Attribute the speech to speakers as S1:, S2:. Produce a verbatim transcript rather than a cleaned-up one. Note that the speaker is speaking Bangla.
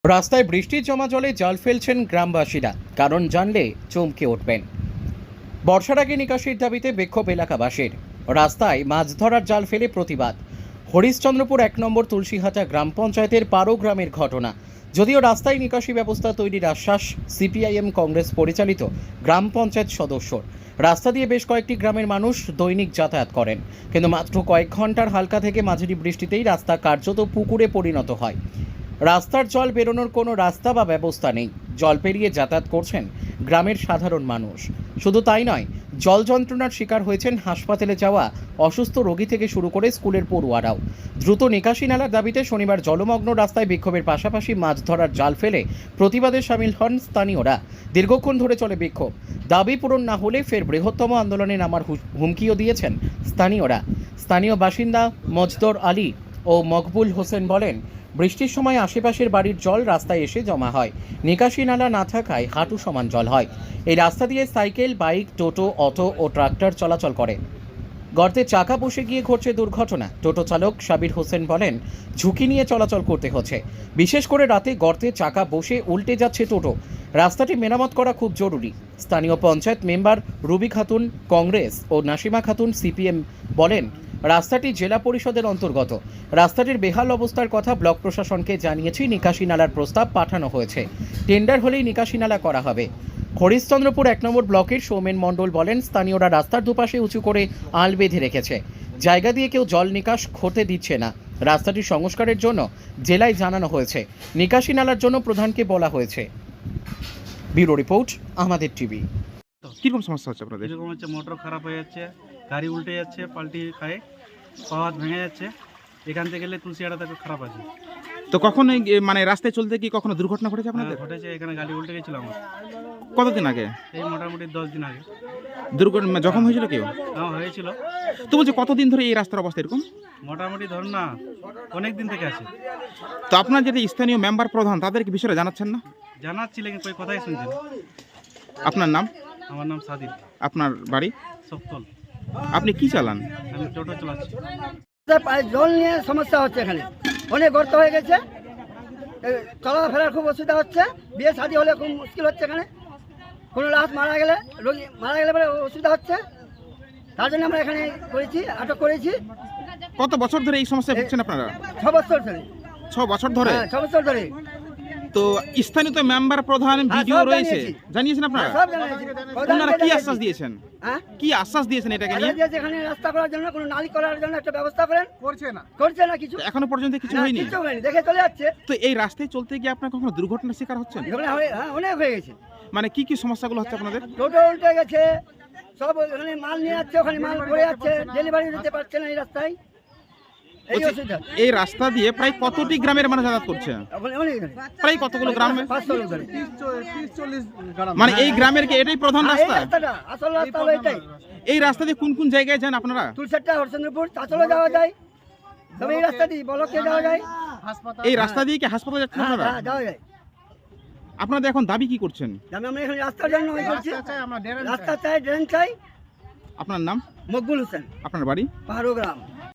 S1: রাস্তায় বৃষ্টির জমা জলে জাল ফেলছেন গ্রামবাসীরা, কারণ জানলে চমকে উঠবেন। বর্ষার আগে নিকাশির দাবিতে বিক্ষোভ এলাকাবাসীর। রাস্তায় মাছ ধরার জাল ফেলে প্রতিবাদ। হরিশ্চন্দ্রপুর এক নম্বর তুলসীহাটা গ্রাম পঞ্চায়েতের পারো গ্রামের ঘটনা। যদিও রাস্তায় নিকাশি ব্যবস্থা তৈরির আশ্বাস সিপিআইএম কংগ্রেস পরিচালিত গ্রাম পঞ্চায়েত সদস্যর, রাস্তা দিয়ে বেশ কয়েকটি গ্রামের মানুষ দৈনিক যাতায়াত করেন, কিন্তু মাত্র কয়েক ঘন্টার হালকা থেকে মাঝারি বৃষ্টিতেই রাস্তা কার্যত পুকুরে পরিণত হয়। রাস্তার জল বেরোনোর কোনো রাস্তা বা ব্যবস্থা নেই। জল পেরিয়ে যাতায়াত করছেন গ্রামের সাধারণ মানুষ। শুধু তাই নয়, জল যন্ত্রণার শিকার হয়েছেন হাসপাতালে যাওয়া অসুস্থ রোগী থেকে শুরু করে স্কুলের পড়ুয়ারাও। দ্রুত নিকাশি নালার দাবিতে শনিবার জলমগ্ন রাস্তায় বিক্ষোভের পাশাপাশি মাছ ধরার জাল ফেলে প্রতিবাদে সামিল হন স্থানীয়রা। দীর্ঘক্ষণ ধরে চলে বিক্ষোভ। দাবি পূরণ না হলে ফের বৃহত্তম আন্দোলনে নামার হুমকিও দিয়েছেন স্থানীয়রা। স্থানীয় বাসিন্দা মজদর আলী ও মকবুল হোসেন বলেন, বৃষ্টির সময় আশেপাশের বাড়ির জল রাস্তায় এসে জমা হয়। নিকাশি নালা না থাকায় হাঁটু সমান জল হয়। এই রাস্তা দিয়ে সাইকেল, বাইক, টোটো, অটো ও ট্রাক্টর চলাচল করে। গর্তে চাকা বসে গিয়ে ঘটছে দুর্ঘটনা। টোটো চালক সাবির হোসেন বলেন, ঝুঁকি নিয়ে চলাচল করতে হচ্ছে। বিশেষ করে রাতে গর্তে চাকা বসে উল্টে যাচ্ছে টোটো। রাস্তাটি মেরামত করা খুব জরুরি। স্থানীয় পঞ্চায়েত মেম্বার রুবি খাতুন কংগ্রেস ও নাসিমা খাতুন সিপিএম বলেন, রাস্তাটি জেলা পরিষদের অন্তর্গত। রাস্তাটির বেহাল অবস্থার কথা ব্লক প্রশাসনকে জানিয়েছি। নিকাশি নালার প্রস্তাব পাঠানো হয়েছে। টেন্ডার হলেই নিকাশি নালা করা হবে। হরিশ্চন্দ্রপুর এক নম্বর ব্লকের সৌমেন মণ্ডল বলেন, স্থানীয়রা রাস্তার দুপাশে উঁচু করে আল বেঁধে রেখেছে। জায়গা দিয়ে কেউ জল নিকাশ করতে দিচ্ছে না। রাস্তাটি সংস্কারের জন্য জেলায় জানানো হয়েছে। নিকাশি নালার জন্য প্রধানকে বলা হয়েছে। ব্যুরো রিপোর্ট, আমাদের টিভি।
S2: কিরকম সমস্যা হচ্ছে আপনাদের?
S3: এরকম হচ্ছে, মোটর খারাপ হয়ে যাচ্ছে, গাড়ি উল্টে যাচ্ছে, পাল্টি খায়, পাওয়ার ভেঙে যাচ্ছে। এখান থেকে গেলে তুলসিয়াটা খারাপ আছে।
S2: তো কখন এই মানে রাস্তায় চলতে কি কখনো দুর্ঘটনা ঘটেছে আপনাদের?
S3: হ্যাঁ, ঘটেছে। এখানে গাড়ি উল্টে গেছিল আমার।
S2: কতদিন আগে?
S3: এই মোটামুটি দশ দিন আগে।
S2: দুর্ঘটনা জখম হয়েছিল কেউ?
S3: হ্যাঁ, হয়েছিল।
S2: তো বলছি কতদিন ধরে এই রাস্তার অবস্থা এরকম?
S3: মোটামুটি ধরুন না, অনেক দিন থেকে আছে।
S2: তো আপনার যেটা স্থানীয় মেম্বার প্রধান, তাদেরকে বিষয়ে জানাচ্ছেন না?
S3: জানাচ্ছি, লেকিন কই কথাই শুনছেন।
S2: আপনার নাম?
S3: আমার নাম সাদিক।
S2: আপনার বাড়ি?
S3: সপ্তল।
S2: আপনি কি চালান?
S3: আমি টোটো চালাচ্ছি।
S4: জল নিয়ে সমস্যা হচ্ছে, এখানে অনেক গর্ত হয়ে গেছে, চলাফেরার খুব অসুবিধা হচ্ছে। বিয়ে শাদী হলে খুব মুশকিল হচ্ছে। এখানে কোনো রাত মারা গেলে, রোগী মারা গেলে পরে অসুবিধা হচ্ছে। তার জন্য আমরা এখানে করেছি, আটক করেছি।
S2: কত বছর ধরে এই সমস্যায় ভুগছেন আপনারা?
S4: ছ বছর ধরে।
S2: ছ বছর ধরে?
S4: হ্যাঁ, ছ বছর ধরে।
S2: তো স্থানীয় তো মেম্বার প্রধান, ভিডিও
S4: সব
S2: রয়েছে,
S4: জানিয়েছি।
S2: জানিয়েছেন আপনারা?
S4: সব জানিয়েছি।
S2: ওনারা কি আশ্বাস দিয়েছেন?
S4: হ্যাঁ,
S2: কি আশ্বাস দিয়েছেন এটাকে নিয়ে?
S4: আশ্বাস দিয়েছে এখানে রাস্তা করার জন্য, কোনো নালী করার জন্য একটা ব্যবস্থা করেন। করছে না, করছে না কিছু।
S2: এখনো পর্যন্ত কিছু
S4: না,
S2: হয়নি?
S4: কিছু হয়নি, দেখে চলে যাচ্ছে।
S2: তো এই রাস্তায় চলতে গিয়ে আপনার কখনো দুর্ঘটনার শিকার হচ্ছেন?
S4: এখানে হয়ে- হ্যাঁ, অনেক হয়ে গেছে।
S2: মানে কি কি সমস্যাগুলো হচ্ছে আপনাদের?
S4: টোটো উল্টে গেছে, সব ওখানে মাল নিয়ে যাচ্ছে, ওখানে মাল পড়ে যাচ্ছে, ডেলিভারি দিতে পারছে না এই রাস্তায়। এই
S2: বলছি,
S4: অসুবিধা।
S2: এই রাস্তা দিয়ে প্রায় কতটি গ্রামের মানুষ যাতায়াত করছে?
S4: ওখানে অনেক ধরে।
S2: প্রায় কতগুলো গ্রামে?
S4: পাঁচশো লোক ধরে।
S2: মানে এই গ্রামের কি এটাই প্রধান
S4: হ্যাঁ, এই
S2: রাস্তা?
S4: রাস্তাটা, আসল রাস্তা হলো এটাই।
S2: এই রাস্তা দিয়ে কোন কোন জায়গায় যান আপনারা?
S4: তুলসেট্টা, হরচন্দ্রপুর, চাঁচলে যাওয়া যায়। তবে এই রাস্তা দিয়ে বলকে যাওয়া যায়।
S2: এই রাস্তা দিয়ে কি হাসপাতালে যাচ্ছেন
S4: হ্যাঁ,
S2: আপনারা?
S4: হ্যাঁ, যাওয়া যায়।
S2: আপনাদের এখন দাবি কি করছেন?
S4: আমি আমরা এখানে রাস্তার জন্য ওই করছি। রাস্তা চাই, ড্রেন চাই।
S2: আপনার নাম?
S4: মকবুল হোসেন,
S2: আপনার বাড়ি?
S4: পাহাড়ো গ্রাম।